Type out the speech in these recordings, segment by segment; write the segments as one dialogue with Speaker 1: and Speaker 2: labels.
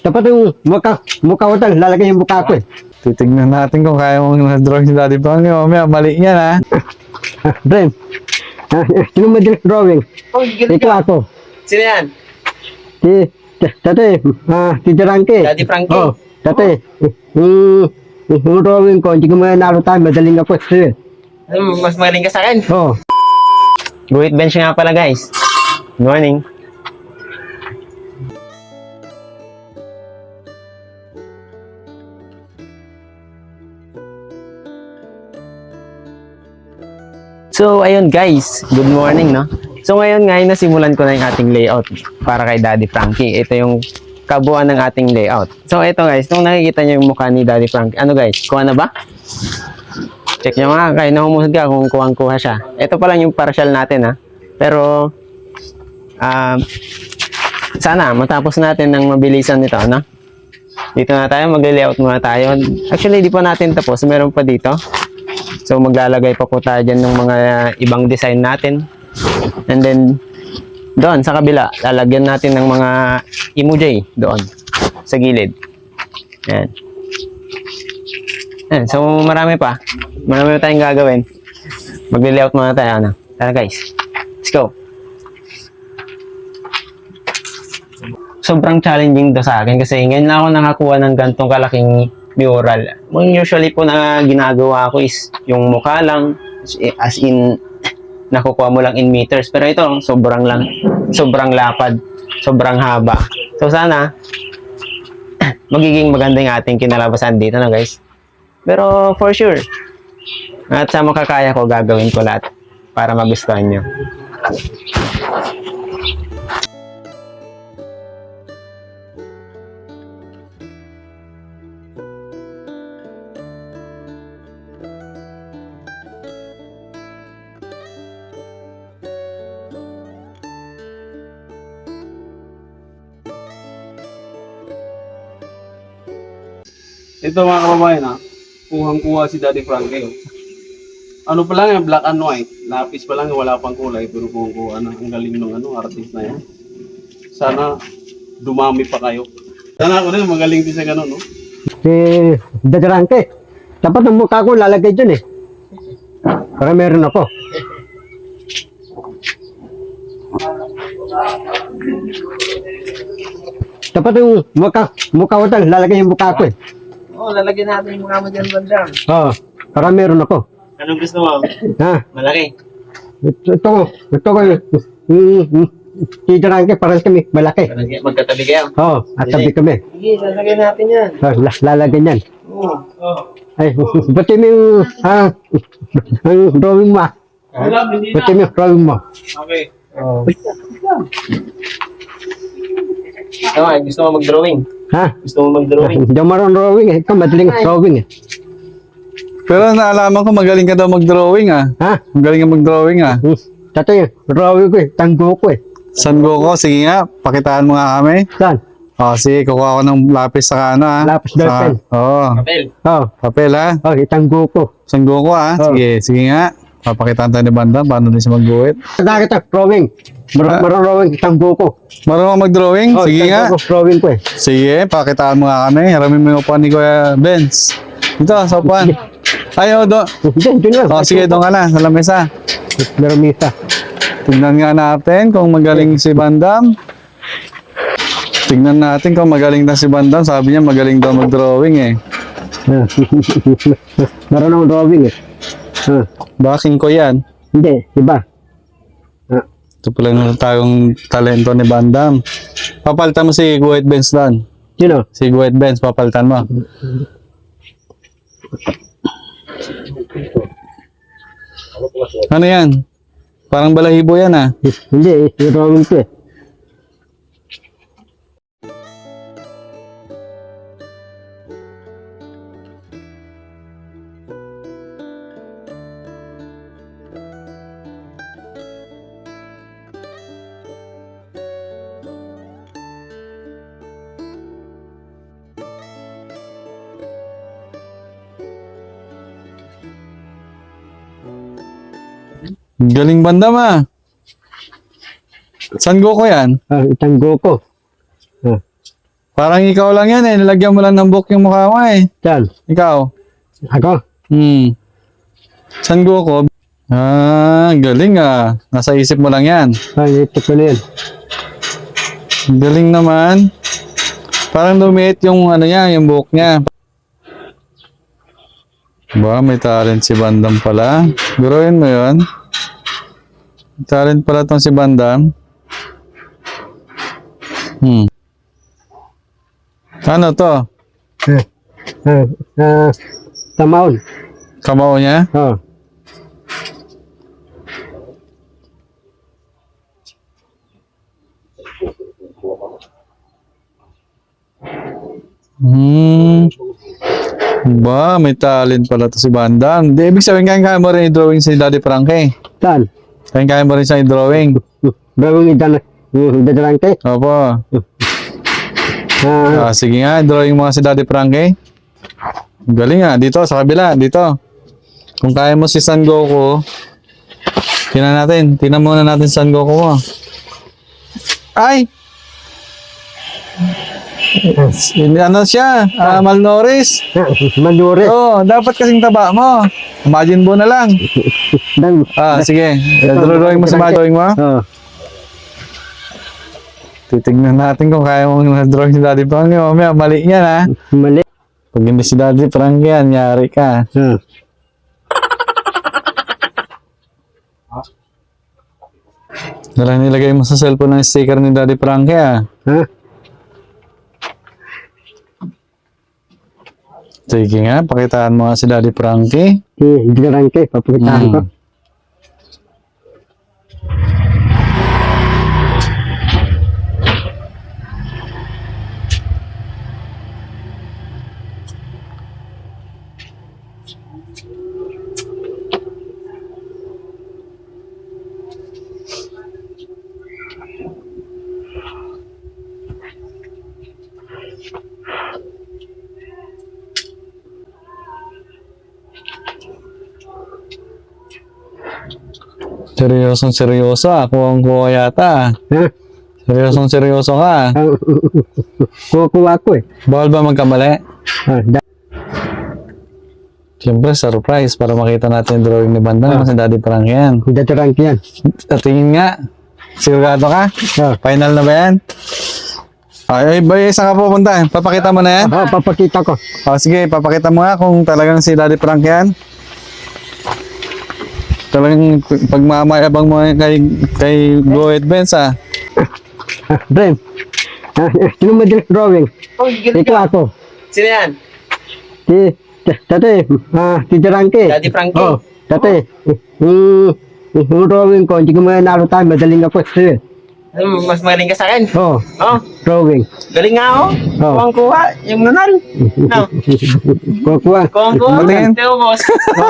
Speaker 1: Dapat yung mukha ko tal, lalagay yung mukha ko eh.
Speaker 2: Titignan natin kung kaya mong na-drawing si Daddy Frankie. Mamaya, mali yan ha.
Speaker 1: Bren, sino madaling drawing?
Speaker 3: Oh, galing
Speaker 1: Ito
Speaker 3: ka.
Speaker 1: ako.
Speaker 3: Sino yan?
Speaker 1: Dati, si Durante.
Speaker 3: Daddy Frankie?
Speaker 1: Oh, dati, yung drawing ko, hindi ko narutan, madaling ako eh.
Speaker 3: Mas magaling ka sa akin.
Speaker 1: Oh,
Speaker 3: Guhit bench nga pala guys. Good morning. So, ayun guys, good morning, no? So, ngayon nga, nasimulan ko na yung ating layout para kay Daddy Frankie. Ito yung kabuuan ng ating layout. So, ito guys, nung nakikita nyo yung mukha ni Daddy Frankie, ano guys, kuha na ba? Check nyo nga, kayo na humusad ka kung kuha siya. Ito pa lang yung partial natin, ha? Pero, sana matapos natin ng mabilisan nito, no? Dito na tayo, mag-layout muna tayo. Actually, di pa natin tapos, meron pa dito. So, maglalagay pa po tayo dyan ng mga ibang design natin. And then, doon sa kabila, lalagyan natin ng mga emoji doon, sa gilid. Ayan. Ayan. So, marami pa. Marami pa tayong gagawin. Mag-layout muna tayo. Ano? Tara guys. Let's go. Sobrang challenging to sa akin kasi ngayon lang ako nakakuha ng gantong kalaking mural. Usually po na ginagawa ko is yung mukha lang, as in nakukuha mo lang in meters. Pero ito, sobrang lapad, sobrang haba. So sana magiging maganda yung ating kinalabasan dito na guys. Pero for sure, at sa makakaya ko, gagawin ko lahat para magustuhan nyo.
Speaker 4: Ito mga kababayan ha, kuhang-kuha si Daddy Frankie. Oh. Ano pa lang yan, black and white. Lapis pa lang, wala pang kulay. Pero kuhang-kuha na, ang galing ng artist na yan. Sana dumami pa kayo. Sana ako rin, magaling din sa ganun, no?
Speaker 1: si Durante. Dapat yung mukha ko lalagay dyan eh. Para meron ako. Dapat yung mukha ko tal, lalagay yung mukha ko eh.
Speaker 3: Oh, lalagyan natin yung mga mo dyan, bandang.
Speaker 1: Oh, para meron ako.
Speaker 3: Anong gusto mo?
Speaker 1: Ha?
Speaker 3: Malaki.
Speaker 1: Ito ko si Durante, parang kami malaki.
Speaker 3: Magkatabi kayo.
Speaker 1: Oh, at tabi kami.
Speaker 3: Sige, lalagyan natin yan.
Speaker 1: Oh, lalagyan yan.
Speaker 3: Oo.
Speaker 1: Ay, ba't yung ang drawing mo?
Speaker 4: Wala, hindi
Speaker 1: Ba't yung drawing mo?
Speaker 4: Okay.
Speaker 1: Oh.
Speaker 3: Tama, gusto mo mag-drawing?
Speaker 1: Ha?
Speaker 3: Gusto mo mag-drawing?
Speaker 1: Hindi ako marunong drawing eh. Ikaw madaling drawing eh.
Speaker 2: Pero naalaman ko magaling ka daw mag-drawing ah.
Speaker 1: Ha?
Speaker 2: Magaling ka mag-drawing ah.
Speaker 1: Tato yung drawing ko eh. Tanggo ko eh.
Speaker 2: San Goku, sige nga, pakitaan mo nga kami.
Speaker 1: Saan?
Speaker 2: O, sige, kukuha ko ng lapis sa ano ah.
Speaker 1: Lapis ball pen.
Speaker 2: Oo,
Speaker 3: Papel.
Speaker 1: Oh,
Speaker 2: papel ha.
Speaker 1: oh, itanggo ko.
Speaker 2: San Goku ah.
Speaker 1: Oh.
Speaker 2: Sige nga. Papakitaan tayo ni Bandang, paano din siya mag-guhit.
Speaker 1: Bakit ang drawing? Marunong drawing, itanggo ko.
Speaker 2: Marunong ka mag-drawing?
Speaker 1: Oh,
Speaker 2: Sige nga.
Speaker 1: itanggo ko, drawing ko eh.
Speaker 2: Sige, pakitaan mo nga kami. Haramin mo yung upuan ni Kuya Benz. Dito, sa upuan. Ayaw, doon.
Speaker 1: Diyan lang.
Speaker 2: O, sige, doon ka na, sa lamesa.
Speaker 1: Meron misa.
Speaker 2: Tignan nga natin kung magaling si Bandam. Tignan natin kung magaling na si Bandam. Sabi niya magaling daw mag-drawing eh.
Speaker 1: Marunong drawing eh.
Speaker 2: Baking ko yan.
Speaker 1: Hindi, iba.
Speaker 2: Ito pala yung tayong talento ni Bandam. Papalitan mo si White Benz doon.
Speaker 1: Sino?
Speaker 2: Si White Benz, papalitan mo. Ano yan? Parang balahibo yan ah.
Speaker 1: Hindi, drawing ko eh.
Speaker 2: Galing Bandam ah. San Goku yan?
Speaker 1: Itanggo ko.
Speaker 2: Parang ikaw lang yan eh. Nilagyan mo lang ng book yung mukha mo eh.
Speaker 1: Saan?
Speaker 2: Ikaw.
Speaker 1: Ako?
Speaker 2: San Goku? Ah, galing ah. Nasa isip mo lang yan.
Speaker 1: Ay, ito ko na yan.
Speaker 2: Galing naman. Parang lumiit yung ano niya, yung buhok niya. Ba, may talent si Bandam pala. Guruin mo yun. May talent pala tong si Bandam. Ano to?
Speaker 1: Tamaon.
Speaker 2: Kamao niya?
Speaker 1: Oh.
Speaker 2: Ba, may talent pala to si Bandam. Di, ibig sabihin, kaya mo rin i-drawing si Daddy Frankie.
Speaker 1: Saan?
Speaker 2: Kaya mo rin siya i-drawing.
Speaker 1: Gawin idadarangke.
Speaker 2: Opo. Sige nga, drawing mo nga si Daddy Frankie. Galing nga, dito, sa kabila, dito. Kung kaya mo si Son Goku, tingnan muna natin Son Goku mo. Ay! Ano siya? Malnourished.
Speaker 1: Mandure.
Speaker 2: Oo, dapat kasing taba mo. Imagine mo na lang. Sige. Drawing mo sa drawing mo.
Speaker 1: Oh.
Speaker 2: Titignan natin kung kaya mong drawing si Daddy Frankie. Mamaya, mali yan ha.
Speaker 1: Mali.
Speaker 2: Pag hindi si Daddy Frankie yan, yari ka. Nalang nilagay mo sa cellphone ng sticker ni Daddy Frankie ah. Sige nga, pakitaan mo nga si Daddy Frankie.
Speaker 1: Idadarangke, papakitaan ko.
Speaker 2: Seryosong seryoso ah. Kuwang-kuwa yata ah. Seryosong seryoso ka ah.
Speaker 1: Kukuha ko eh.
Speaker 2: Bawal ba magkamali? Siyempre, surprise para makita natin yung drawing ni Bandam kasi Daddy Frankie yan.
Speaker 1: Idadarangke yan.
Speaker 2: Tingin nga. Sigurado ka? Final na ba yan? Ay, saan ka pupunta? Papakita mo na yan?
Speaker 1: Papakita ko.
Speaker 2: Sige, papakita mo nga kung talagang si Daddy Frankie yan. Talagang pagmamayabang mo kay Go Advance ah.
Speaker 1: Brem. Sino mo drawing? Ito ako.
Speaker 3: Sino yan?
Speaker 1: Dati, Darangke.
Speaker 3: Daddy Frankie?
Speaker 1: Oh, dati. Yung drawing ko, hindi ko manalo tayo, madaling ako.
Speaker 3: Mas magaling ka sa akin?
Speaker 1: Oh,
Speaker 3: Oh,
Speaker 1: drawing.
Speaker 3: galing nga ako.
Speaker 1: Oh.
Speaker 3: Kuwang-kuha. Yung nunal. No.
Speaker 1: Kukuha.
Speaker 3: Kuwang-kuha.
Speaker 2: Patingin.
Speaker 3: Teo, boss.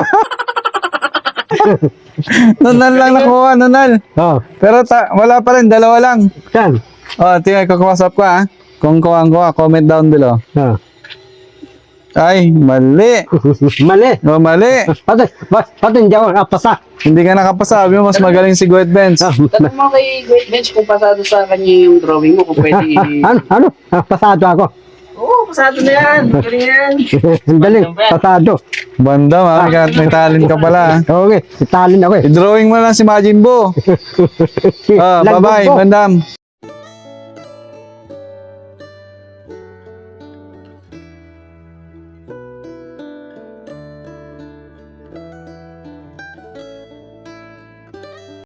Speaker 2: Nunal lang nakuha, nunal.
Speaker 1: Oh,
Speaker 2: Pero wala pa rin, dalawa lang.
Speaker 1: saan?
Speaker 2: Tingnan ko WhatsApp ko ah. Kung kuha, comment down below.
Speaker 1: Oh.
Speaker 2: Ay, mali.
Speaker 1: Mali.
Speaker 2: Mali.
Speaker 1: Pati hindi ako napasa.
Speaker 2: Hindi ka nakapasa. Sabi mo, mas magaling si Go Advance.
Speaker 3: Tanong mo kay Great Bench kung pasado sa kanya yung drawing mo, kung pwede...
Speaker 1: Ano? Pasado ako.
Speaker 3: Oo, pasado na yan. Galing yan.
Speaker 1: Ang daling, pasado.
Speaker 2: Bandam ah, may talent ka pala.
Speaker 1: Okay, talent ako eh.
Speaker 2: I-drawing mo lang si Majin Buu.
Speaker 1: Lagbog
Speaker 2: Bye-bye,
Speaker 1: ko.
Speaker 2: Bandam.